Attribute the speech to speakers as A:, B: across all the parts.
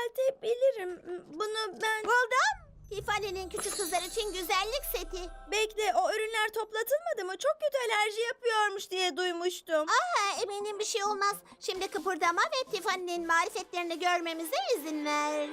A: düzeltebilirim. Bunu ben...
B: Buldum. Tiffany'nin küçük kızlar için güzellik seti.
A: Bekle, o ürünler toplatılmadı mı? Çok kötü alerji yapıyormuş diye duymuştum.
B: Eminim bir şey olmaz. Şimdi kıpırdama ve Tiffany'nin marifetlerini görmemize izin ver.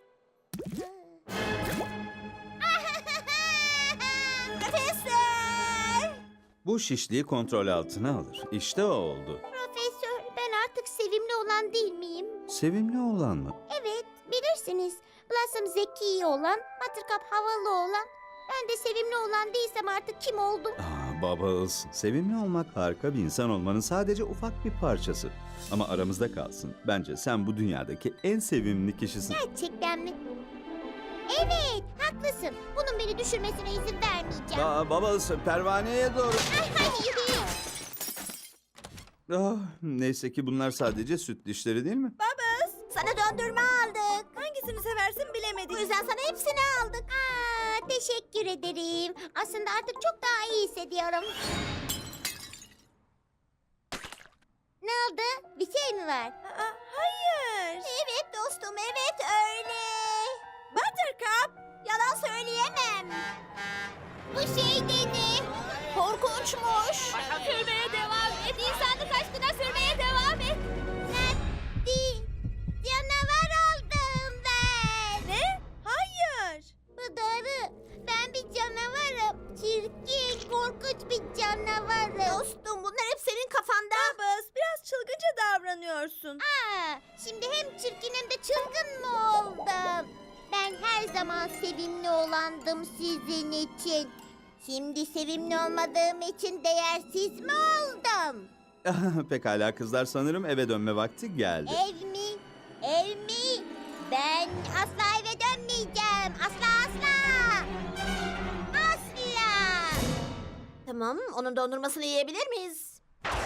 B: Profesör!
C: Bu şişliği kontrol altına alır. İşte o oldu.
B: Profesör, ben artık sevimli olan değil miyim?
C: Sevimli olan mı?
B: Evet, bilirsiniz. Blossom zeki olan, Buttercup havalı olan. Ben de sevimli olan değilsem artık kim oldum?
C: Bubbles, sevimli olmak harika bir insan olmanın sadece ufak bir parçası. Ama aramızda kalsın. Bence sen bu dünyadaki en sevimli kişisin.
B: Gerçekten mi? Evet, haklısın. Bunun beni düşürmesine izin vermeyeceğim.
C: Bubbles, pervaneye doğru.
B: Hayır.
C: Neyse ki bunlar sadece süt dişleri değil mi?
B: Sana döndürme aldık.
A: Hangisini seversin bilemedik.
B: Bu yüzden sana hepsini aldık. Teşekkür ederim. Aslında artık çok daha iyi hissediyorum. Ne oldu? Bir şey mi var?
A: Hayır.
B: Evet dostum, evet öyle.
A: Buttercup.
B: Yalan söyleyemem. Bu şey de ne? Korkunçmuş. Sürmeye devam et. İnsanlık aşkına sürmeye devam et. Natti. Canavar oldum ben.
A: Ne? Hayır.
B: Bu doğru. Ben bir canavarım. Çirkin, korkunç bir canavarım. Dostum bunlar hep senin kafanda.
A: Bubbles, biraz çılgınca davranıyorsun.
B: Şimdi hem çirkin hem de çılgın mı oldum? Ben her zaman sevimli olandım sizin için. Şimdi sevimli olmadığım için değersiz mi oldum?
C: Pekala kızlar, sanırım eve dönme vakti geldi.
B: Ev mi? Ev mi? Ben asla eve dönmeyeceğim. Asla. Tamam, onun dondurmasını yiyebilir miyiz?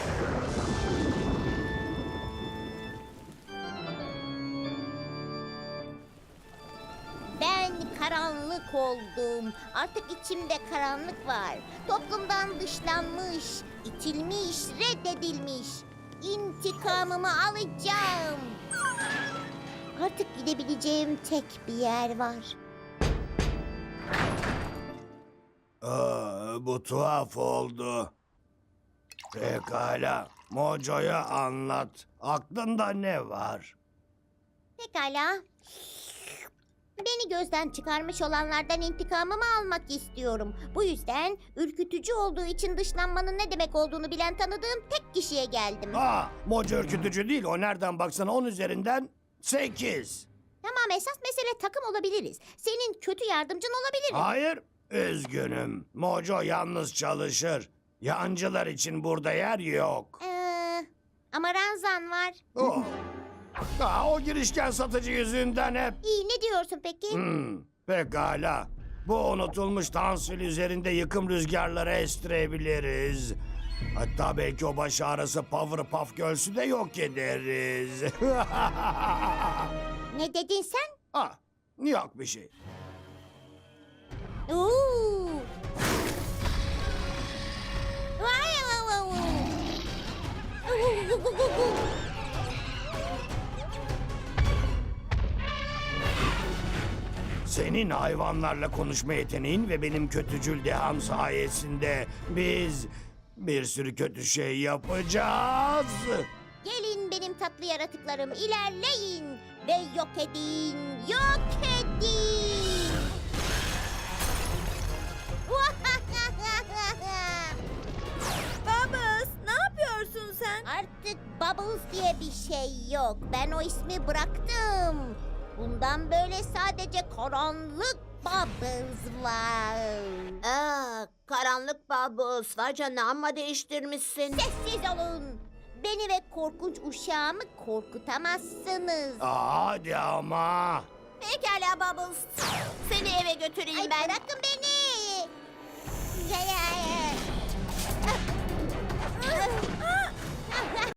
B: Ben karanlık oldum. Artık içimde karanlık var. Toplumdan dışlanmış, itilmiş, reddedilmiş. İntikamımı alacağım. Artık gidebileceğim tek bir yer var.
D: Bu tuhaf oldu. Pekala, Mojo'ya anlat. Aklında ne var?
B: Pekala. Beni gözden çıkarmış olanlardan intikamımı almak istiyorum. Bu yüzden ürkütücü olduğu için dışlanmanın ne demek olduğunu bilen tanıdığım tek kişiye geldim.
D: Mojo ürkütücü değil. O nereden baksana 10 üzerinden 8.
B: Tamam, esas mesele takım olabiliriz. Senin kötü yardımcın olabilirim.
D: Hayır, üzgünüm. Mojo yalnız çalışır. Yancılar için burada yer yok.
B: Ama Ranzan var.
D: O girişken satıcı yüzünden hep...
B: İyi, ne diyorsun peki?
D: Pekala. Bu unutulmuş tansil üzerinde yıkım rüzgarları estirebiliriz. Hatta belki o baş ağrısı Powerpuff Girls'ü de yok ederiz.
B: Ne dedin sen?
D: Yok bir şey.
B: Oo. Vay vay vay vay.
D: Senin hayvanlarla konuşma yeteneğin ve benim kötücül deham sayesinde biz bir sürü kötü şey yapacağız.
B: Gelin benim tatlı yaratıklarım, ilerleyin ve yok edin, yok edin.
A: Bubbles, ne yapıyorsun sen?
B: Artık Bubbles diye bir şey yok. Ben o ismi bıraktım. Bundan böyle sadece karanlık Bubbles var.
E: Karanlık Bubbles var canına, amma değiştirmişsin.
B: Sessiz olun. Beni ve korkunç uşağımı korkutamazsınız.
D: Hadi ama.
E: Pekala Bubbles. Seni eve götüreyim
B: Ay,
E: ben.
B: bırakın beni. Ya, ya, ya.